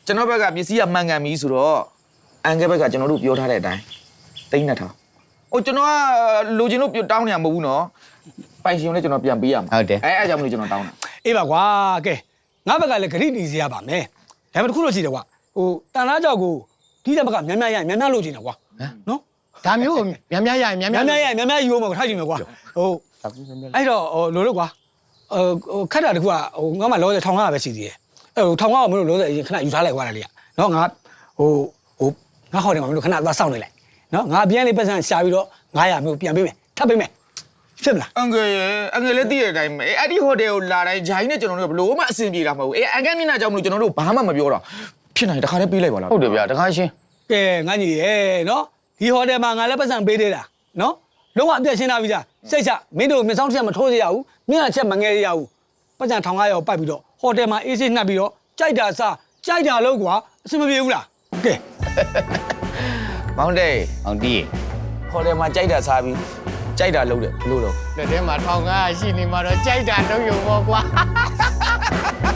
ကျွန်တော်ဘက်ကပစ္စည်းကမှန်ကန်ပြီဆိုတော့အန်ကဲဘက်ကကျွန်တော်တို့ပြောထားတဲ့အတိုင်းတိန်း2,000ဟိုကျွန်တော်ကလိုချင်လို့တောင်းနေရမဟုတ်ဘူးနော်ပိုင်ရှင်လည်းကျွန်တော်ပြန်ပေးရမှာအဲ့အကြောင်းမလို့ကျွန်တော်တောင်းတာအေးပါကွာကဲငါဘက်ကလည်းဂရိတီစီရပါမယ်ဒါပေမဲ့တစ်ခုတော့ရှိတယ်ကွာဟိုတန်လားကြောက်ကိုဒီတဲ့ဘက်ကများများရများများလို့ချင်တယ်ကွာနော်ဒါမျိုးများများရရင်များများများများရများများယူအောင်ထားချင်မယ်ကွာဟိုအဲ့တော့ဟိုလိုလို့ကွာဟိုခက်တာတခုကဟိုငါမှလောဆယ်ထောင်ကားပဲရှိသေးတယ်အဲ့ဟိုထောင်ကားကမလို့လောဆယ်အရင်ခဏယူထားလိုက်ကွာလေနော်ငါဟိုငါဟောတယ်မှာမလို့ခဏသွားစောင့်နေလိုက်နော်ငါပြန်လေးပတ်စံရှာပြီးတော့900မျိုးပြန်ပေးမယ်ထပ်ပေးမယ်ဖြစ်မလားအန်ကဲလည်းသိတဲ့အတိုင်းပဲအဲ့ဒီဟိုတယ်ကိုလာတိုင်းဂျိုင်းနဲ့ကျွန်တော်တို့ဘလို့မှအဆင်ပြေတာမဟုတ်ဘူးအန်ကဲမျက်နှာကြောင့်မလို့ကျွန်တော်တို့ဘာမှမပြောတော့ဖြစ်နိုင်တခါတည်းပေးလိုက်ပါလားဟုတ်တယ်ဗျာတခါရှင်းကဲငါညီရဲ့နော်ဒီဟိုတယ်မှာငါလည်းပတ်စံပေးသေးတာနော်လုံးဝအပြည့်ရှင်းလာပြီကြာစိတ်ချမင်းတို့မျက်စောင်းတစ်ချက်မထိုးစေရဘူးမျက်နှာချက်မငဲရဘူးပတ်စံ1500ရောပိုက်ပြီးတော့ဟိုတယ်မှာအေးဆေးနှပ်ပြီးတော့ကြိုက်တာစားကြိုက်တာလို့ကွာအဆင်မပြေဘူးလားကဲမောင်တေးအောင်တီးဟိုတယ်မှာကြိုက်တာစားပြီးကြိုက်တာလုပ်တယ်ဘလို့တော့လက်ထဲမှာ1500ရှိနေမှာတော့ကြိုက်တာတော့ယုံပေါ့ကွာ